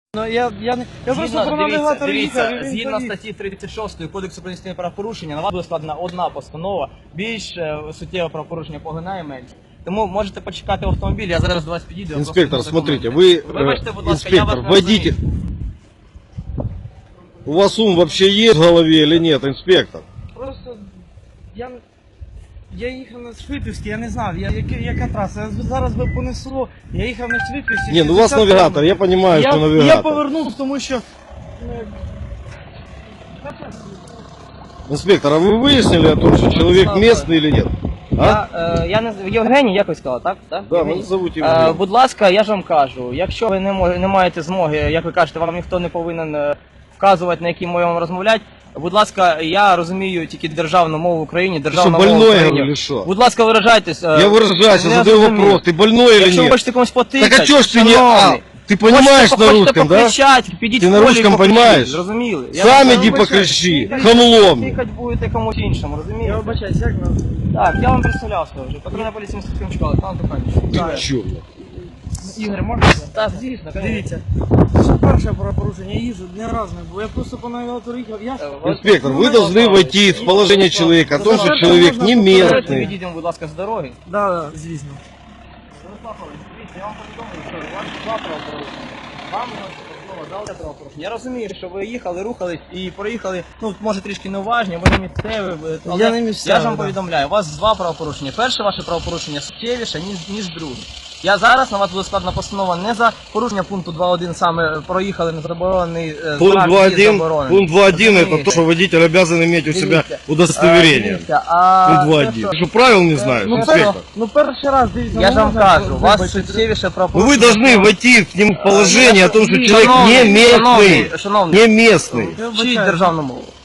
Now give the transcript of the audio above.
Ну, я просто про навігатор їхав. Згідно статті 36 Кодексу про адміністративні правопорушення, на вас буде складена одна постанова, більш суттєве правопорушення поглинає менше. Тому можете почекати в автомобілі, я зараз до вас підійду. Инспектор, смотрите, вы, инспектор, водитель. У вас ум вообще есть в голове или нет, инспектор? Просто я їхав на Швидківській, я не знав, яка траса. Зараз би понесло, я їхав на Швидківській. Не, ну у вас навигатор, я понимаю, что навигатор. Я повернув, тому що... Инспектор, а вы выяснили о том, что человек местный или нет? А? Я не Євгеній, якось сказав, так? Да, мене зовуть Євгеній. Будь ласка, я ж вам кажу, якщо ви не маєте змоги, як ви кажете, вам ніхто не повинен вказувати, на якій мові вам розмовляти. Будь ласка, я розумію тільки державну мову в Україні, державну мову в больной, Україні. говорю, что? Будь ласка, виражайтесь. Я выражаюсь, я задаю вопрос, ты больной или Якщо ви нет? хочете комусь потикати, Так а чё ж ты не... Ты понимаешь на русском, да? Підіть Ти в на полі русском і покричіть, понимаешь? Зрозуміли? Сам иди покричи, хамлом. Тикать будете комусь іншому, Я розумієте? вибачаюсь, як нас? Так, я вам представлявся вже. Патрульна поліція міста Кримчука, пан Туханів. Ты чё? Ігор, можна? Так, звісно, Дивіться, це перше правопорушення, я їжджу, не раз не було, я просто по навігатору їхав, Инспектор, вы должны войти в положение человека, о том, что человек не местный. Відійдемо, будь ласка, з дороги. Да, звісно. Дивіться, я вам повідомлю, що у вас два правопорушення. Вам дали правопорушення. Я розумію, що ви їхали, рухались і проїхали, ну, може трішки неуважні, ви не місцеві, але Я не місцевий, я ж вам да. повідомляю, у вас два правопорушення. Перше ваше правопорушення суттєвіше, ніж друге. Я зараз на вас буде складена постанова не за порушення пункту 2.1, саме проїхали на заборонений Пункт знак, 2.1, пункт 2.1 это то, что водитель обязан иметь у себя удостоверение. Дивіться, а Пункт 2.1. Ты что, правил не знаешь, Ну, инспектор? ну перший раз, дивіться. я ж вам можна кажу, у вас вибачити? суттєвіше Ну правопорушення. вы должны войти к нему в положение о том, что человек не местный. Шановний, Не местный. Я вчіть вибачаюсь. державну мову.